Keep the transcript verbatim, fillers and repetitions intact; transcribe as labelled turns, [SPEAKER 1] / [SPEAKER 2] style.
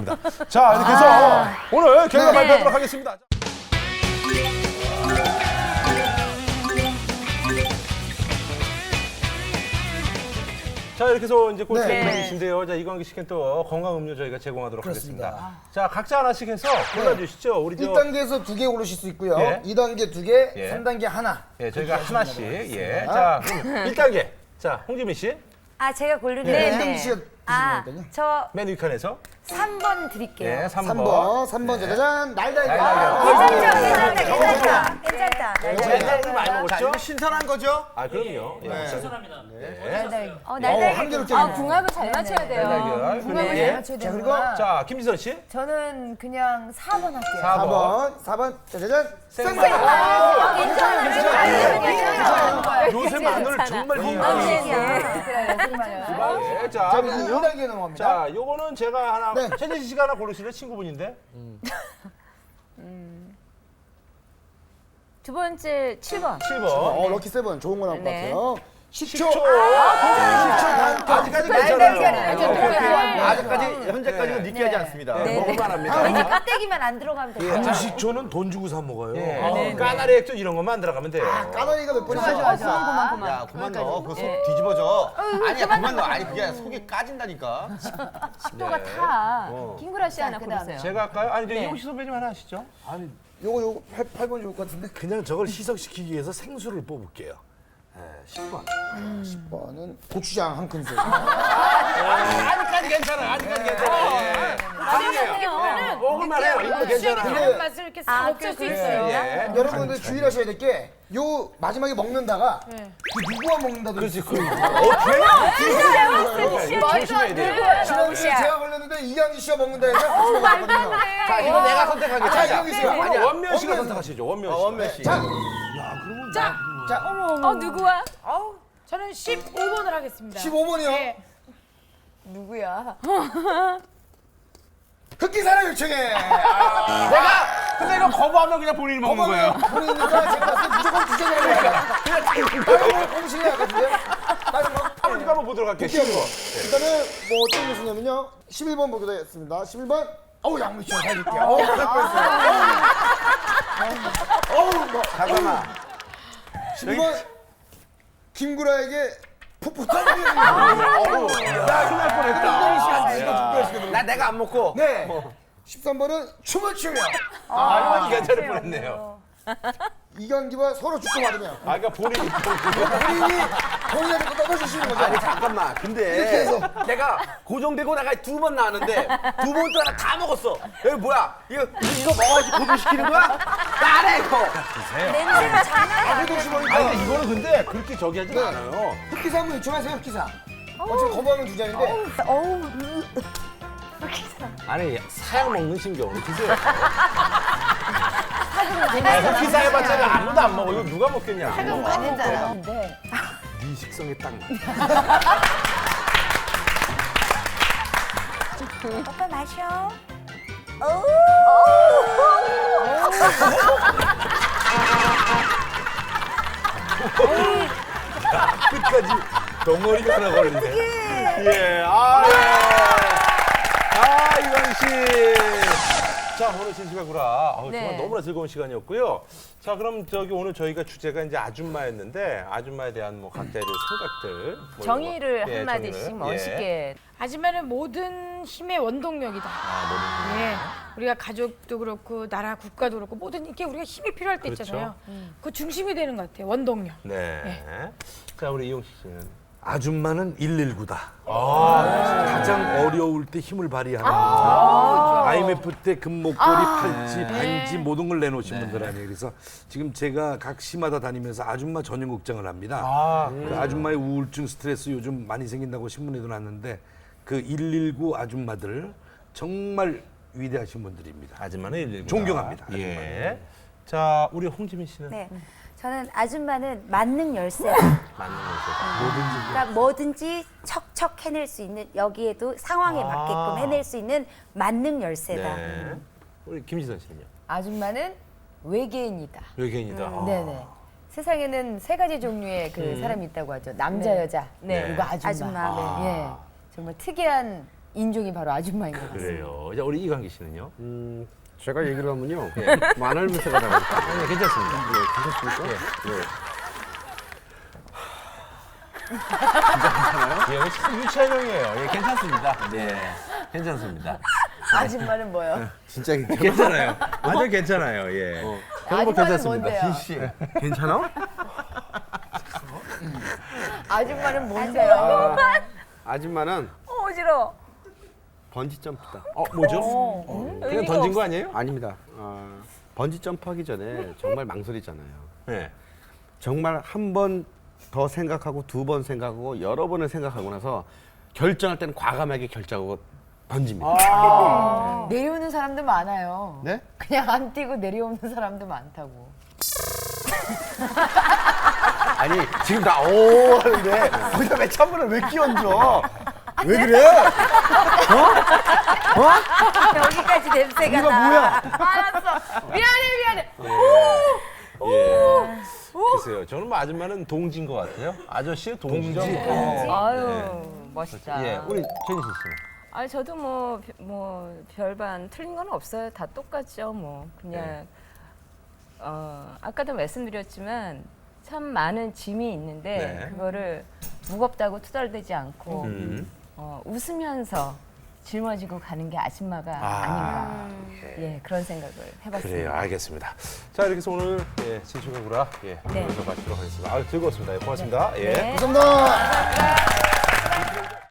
[SPEAKER 1] 알겠습니다. 자, 이렇게 해서
[SPEAKER 2] 아.
[SPEAKER 1] 오늘 결과
[SPEAKER 2] 네.
[SPEAKER 1] 발표하도록 하겠습니다. 자, 이렇게 해서 이제 꼴찌
[SPEAKER 2] 네.
[SPEAKER 1] 이광기신데요. 자, 이광기 씨께 또 건강 음료 저희가 제공하도록
[SPEAKER 3] 그렇습니다.
[SPEAKER 1] 하겠습니다. 자, 각자 하나씩 해서 골라주시죠. 우리 저
[SPEAKER 3] 일 단계에서 두 개 고르실 수 있고요.
[SPEAKER 1] 예.
[SPEAKER 3] 이 단계 두 개,
[SPEAKER 1] 예.
[SPEAKER 3] 삼 단계 하나.
[SPEAKER 1] 예, 저희가
[SPEAKER 3] 그렇게
[SPEAKER 1] 하나씩.
[SPEAKER 3] 하시면
[SPEAKER 1] 예.
[SPEAKER 3] 되겠습니다.
[SPEAKER 1] 자, 그럼 일 단계. 자, 홍지민 씨.
[SPEAKER 2] 아, 제가 고르는
[SPEAKER 3] 네,
[SPEAKER 2] 네.
[SPEAKER 3] 이동기 씨가
[SPEAKER 2] 아,
[SPEAKER 3] 드시면
[SPEAKER 2] 저
[SPEAKER 1] 맨 위칸에서.
[SPEAKER 2] 삼 번 드릴게요.
[SPEAKER 1] 예, 삼 번.
[SPEAKER 3] 삼 번, 삼 번 짜자잔, 날달걀.
[SPEAKER 1] 날달걀.
[SPEAKER 2] 괜찮다, 괜찮다, 괜찮다, 괜찮다.
[SPEAKER 1] 옛날에 좀 많이
[SPEAKER 4] 자,
[SPEAKER 1] 먹었죠?
[SPEAKER 4] 이거 신선한 거죠?
[SPEAKER 1] 아, 그럼요. 예.
[SPEAKER 5] 신선합니다.
[SPEAKER 1] 네.
[SPEAKER 2] 어,
[SPEAKER 3] 어,
[SPEAKER 2] 날달걀.
[SPEAKER 3] 한 개로
[SPEAKER 6] 아,
[SPEAKER 3] 째네.
[SPEAKER 6] 궁합을 잘 맞춰야 돼요.
[SPEAKER 1] 날달걀.
[SPEAKER 6] 궁합을
[SPEAKER 1] 예.
[SPEAKER 6] 잘 맞춰야
[SPEAKER 3] 자, 그리고
[SPEAKER 6] 되는구나.
[SPEAKER 1] 자, 김지선 씨.
[SPEAKER 6] 저는 그냥 사 번 할게요.
[SPEAKER 1] 사
[SPEAKER 3] 사
[SPEAKER 1] 번.
[SPEAKER 3] 번, 사 번 짜자잔,
[SPEAKER 1] 생마늘.
[SPEAKER 2] 어, 괜찮아, 괜찮아, 괜찮아.
[SPEAKER 1] 요새 마늘 정말
[SPEAKER 2] 네,
[SPEAKER 1] 건강해요.
[SPEAKER 6] 그래요, 정말요.
[SPEAKER 1] 네, 자,
[SPEAKER 3] 자, 그럼 이 단계 넘어갑니다.
[SPEAKER 1] 자, 요거는 제가 하나,
[SPEAKER 3] 네.
[SPEAKER 1] 최재지 씨가 하나 고르실래? 친구분인데.
[SPEAKER 6] 두 번째 칠 번.
[SPEAKER 1] 칠 번.
[SPEAKER 3] 어, 럭키 세븐 좋은 거 나올 것
[SPEAKER 6] 네.
[SPEAKER 3] 같아요. 십 초.
[SPEAKER 1] 십 초. 아직까지
[SPEAKER 6] 날달걀을
[SPEAKER 1] 괜찮아요.
[SPEAKER 6] 이렇게
[SPEAKER 1] 오케이, 오케이.
[SPEAKER 6] 녹여서.
[SPEAKER 4] 아직까지 현재까지는 느끼하지 않습니다.
[SPEAKER 1] 네, 먹을만 합니다.
[SPEAKER 2] 이제 껍데기만 안 들어가면 돼요.
[SPEAKER 7] 한식초는 돈 주고 사 먹어요.
[SPEAKER 1] 예. 어, 까나리 액젓 이런 것만 들어가면 돼요.
[SPEAKER 3] 까나리가 몇 번이죠?
[SPEAKER 6] 좋아, 좋아. 그만, 그만.
[SPEAKER 4] 야, 그만 넣어. 그거 속 뒤집어져. 아니야, 그만 넣어. 아니, 그게 아니라 속이 까진다니까.
[SPEAKER 6] 식도가 타. 김구라 씨 하나 고르세요.
[SPEAKER 1] 제가 할까요? 아니, 이제 이용식 선배님 하나 하시죠.
[SPEAKER 7] 아니
[SPEAKER 3] 요거 요거 팔 번 좋을 것 같은데.
[SPEAKER 7] 그냥 저걸 희석시키기 위해서 생수를 뽑을게요. 예, 십 번.
[SPEAKER 3] 십 번은 고추장 한 큰술.
[SPEAKER 1] 아직까지 괜찮아요. 아직까지 괜찮아요. 예. 아니에요. 먹을만 해요. 이거 괜찮아요.
[SPEAKER 3] 근데
[SPEAKER 6] 맛을 이렇게
[SPEAKER 2] 아,
[SPEAKER 6] 싹 먹을 수
[SPEAKER 2] 그럴 수
[SPEAKER 6] 있어요.
[SPEAKER 1] 예.
[SPEAKER 3] 여러분들 주의하셔야 될 게 요 마지막에 먹는다가 그 누구와 먹는다도
[SPEAKER 1] 그렇지,
[SPEAKER 3] 있어요.
[SPEAKER 1] 그 조심해야 돼요.
[SPEAKER 3] 지난주에 제가 걸렸는데 이강기 씨가 먹는다 해서 같이 먹었거든요.
[SPEAKER 4] 자, 이거 내가 선택할게.
[SPEAKER 3] 자,
[SPEAKER 4] 자,
[SPEAKER 3] 이강기 씨가.
[SPEAKER 1] 아니, 원면 씨가
[SPEAKER 3] 원면.
[SPEAKER 1] 선택하시죠. 원면 씨.
[SPEAKER 4] 어, 원면 씨.
[SPEAKER 3] 자, 자,
[SPEAKER 6] 어, 누구야?
[SPEAKER 8] 어우, 저는 십오 번을 하겠습니다.
[SPEAKER 3] 십오 번이요.
[SPEAKER 8] 네.
[SPEAKER 6] 누구야?
[SPEAKER 3] 흑기사를 요청해.
[SPEAKER 4] 내가 근데 이거 거부하면 그냥 본인이 먹는 거예요.
[SPEAKER 3] 그러니까 제가 봤을 때 무조건 주제라고 다른 거 공실해야 하거든요. 다른 거.
[SPEAKER 1] 한번 이거 한번 보도록 할게요. 십일 번.
[SPEAKER 3] 일단은 뭐 어떤 것이냐면요. 십일 번 보기로 했습니다. 십일 번. 어우, 양미씨 잘 줄게요. 어우, 잘 뻔했어요. 어우, 뭐.
[SPEAKER 4] 잠깐만.
[SPEAKER 3] 십일 번. 김구라에게 풋풋한
[SPEAKER 1] 야, 큰날 뻔했다.
[SPEAKER 4] 나 내가 안 먹고.
[SPEAKER 3] 네. 십삼 번은 춤을 추며
[SPEAKER 1] 아, 이거 괜찮을 뻔했네요.
[SPEAKER 3] 이강기와 서로 죽고 받으며
[SPEAKER 1] 아, 그러니까 본인이
[SPEAKER 3] 본인이 본인한테 또 떠나주시는 거죠.
[SPEAKER 4] 아니, 잠깐만. 근데 내가 고정되고 나가 두 번 나왔는데 두 번 동안 다 먹었어. 여기 뭐야? 이거 이거 먹어야지 고정시키는 거야? 나래 이거.
[SPEAKER 2] 냄새가 장난
[SPEAKER 3] 아무도 없이 보니까
[SPEAKER 1] 아니, 근데 이거는 근데 그렇게 저기 하진 않아요.
[SPEAKER 3] 흑기사 한번 요청하세요. 흑기사. 어차피 거부하면 두 잔인데
[SPEAKER 1] 아니, 사양 먹는 신경을 드세요. 흑기사 해봤자 아무도 안 먹어. 이거 누가 먹겠냐.
[SPEAKER 2] 아니잖아.
[SPEAKER 6] 근데
[SPEAKER 7] 네 식성에 딱 맞아.
[SPEAKER 2] 오빠 마셔.
[SPEAKER 1] 끝까지 덩어리가 하나 걸리네. 예, 아, 예. 아, 이광 씨. 자, 오늘 진실가구라. 아우,
[SPEAKER 6] 네.
[SPEAKER 1] 정말 너무나 즐거운 시간이었고요. 자, 그럼 저기 오늘 저희가 주제가 이제 아줌마였는데 아줌마에 대한 뭐 각자의 생각들. 뭐 이런
[SPEAKER 6] 정의를
[SPEAKER 1] 거. 예,
[SPEAKER 6] 한마디씩
[SPEAKER 1] 정의를.
[SPEAKER 6] 멋있게.
[SPEAKER 8] 하지만은 모든 힘의 원동력이다.
[SPEAKER 1] 아, 뭐든.
[SPEAKER 8] 예, 우리가 가족도 그렇고 나라 국가도 그렇고 모든 이게 우리가 힘이 필요할 때
[SPEAKER 1] 그렇죠.
[SPEAKER 8] 있잖아요. 그 중심이 되는 것 같아요. 원동력.
[SPEAKER 1] 네. 자, 우리 이용식 씨는.
[SPEAKER 7] 아줌마는 일일구다. 가장 어려울 때 힘을 발휘하는 아이엠에프 때 금목걸이, 팔찌, 반지 모든 걸 내놓으신 분들 아니에요. 그래서 지금 제가 각 시마다 다니면서 아줌마 전용 극장을 합니다.
[SPEAKER 1] 아,
[SPEAKER 7] 그 아줌마의 우울증, 스트레스 요즘 많이 생긴다고 신문에도 났는데 그 일일구 아줌마들 정말 위대하신 분들입니다.
[SPEAKER 1] 아줌마는 일일구다.
[SPEAKER 7] 존경합니다.
[SPEAKER 1] 예. 자, 우리 홍지민 씨는.
[SPEAKER 2] 네. 저는 아줌마는 만능 열쇠.
[SPEAKER 1] 맞는 거죠.
[SPEAKER 2] 그러니까 뭐든지 척척 해낼 수 있는 여기에도 상황에
[SPEAKER 1] 아.
[SPEAKER 2] 맞게끔 해낼 수 있는 만능 열쇠다.
[SPEAKER 1] 네. 우리 김지선 씨는요?
[SPEAKER 6] 아줌마는 외계인이다.
[SPEAKER 1] 외계인이다. 아.
[SPEAKER 6] 네네. 세상에는 세 가지 종류의 그 사람이 있다고 하죠. 남자, 여자.
[SPEAKER 1] 네.
[SPEAKER 6] 그리고 아줌마.
[SPEAKER 2] 아줌마.
[SPEAKER 6] 예. 정말 특이한 인종이 바로 아줌마인 것 같습니다.
[SPEAKER 1] 그래요. 자, 우리 이광기 씨는요?
[SPEAKER 4] 음, 제가 얘기를 하면요. 만화를 물색하다 보니까.
[SPEAKER 1] 네, 괜찮습니다.
[SPEAKER 4] 네, 괜찮습니까? 네.
[SPEAKER 1] 예, 이거 참 유치한 형이에요. 예, 괜찮습니다. 네, 괜찮습니다.
[SPEAKER 6] 아줌마는 뭐요?
[SPEAKER 4] 진짜 괜찮아.
[SPEAKER 1] 괜찮아요. 아주 괜찮아요. 예. 저는 뭐
[SPEAKER 6] 아줌마는
[SPEAKER 1] 괜찮습니다.
[SPEAKER 6] 뭔데요?
[SPEAKER 4] 씨, 괜찮아?
[SPEAKER 6] 아줌마는 뭔데요?
[SPEAKER 4] 아줌마는
[SPEAKER 6] 어지러.
[SPEAKER 4] 번지 점프다.
[SPEAKER 1] 어, 뭐죠? 그냥 던진 거 아니에요?
[SPEAKER 4] 아닙니다. 아, 번지 점프하기 전에 정말 망설이잖아요.
[SPEAKER 1] 네.
[SPEAKER 4] 정말 한 번 더 생각하고 두 번 생각하고 여러 번을 생각하고 나서 결정할 때는 과감하게 결정하고 던집니다.
[SPEAKER 6] 내려오는 사람도 많아요.
[SPEAKER 4] 네?
[SPEAKER 6] 그냥 안 뛰고 내려오는 사람도 많다고.
[SPEAKER 4] 아니 지금 나 오 하는데 거기다 왜 찬물을 왜 끼얹어? 왜 그래?
[SPEAKER 2] 여기까지 냄새가
[SPEAKER 4] 이거
[SPEAKER 2] 나.
[SPEAKER 4] 뭐야?
[SPEAKER 6] 알았어. 미안해 미안해.
[SPEAKER 1] 예. 글쎄요. 저는 뭐 아줌마는 동지인 것 같아요. 아저씨 동지죠. 어.
[SPEAKER 6] 아유 멋있다.
[SPEAKER 1] 예, 우리 최진실 씨는.
[SPEAKER 5] 아 저도 뭐 뭐 별반 틀린 건 없어요. 다 똑같죠. 뭐 그냥
[SPEAKER 1] 네.
[SPEAKER 5] 어 아까도 말씀드렸지만 참 많은 짐이 있는데
[SPEAKER 1] 네.
[SPEAKER 5] 그거를 무겁다고 투덜대지 않고
[SPEAKER 1] 음.
[SPEAKER 5] 어, 웃으면서 짊어지고 가는 게 아줌마가 아. 닌가 예 그런 생각을 해봤습니다.
[SPEAKER 1] 그래요, 알겠습니다. 자, 이렇게 해서 오늘 예, 진실과 구라 예,
[SPEAKER 5] 네.
[SPEAKER 1] 여기서 마치도록 하겠습니다. 아, 즐거웠습니다. 예, 고맙습니다. 예.
[SPEAKER 5] 네.
[SPEAKER 3] 감사합니다.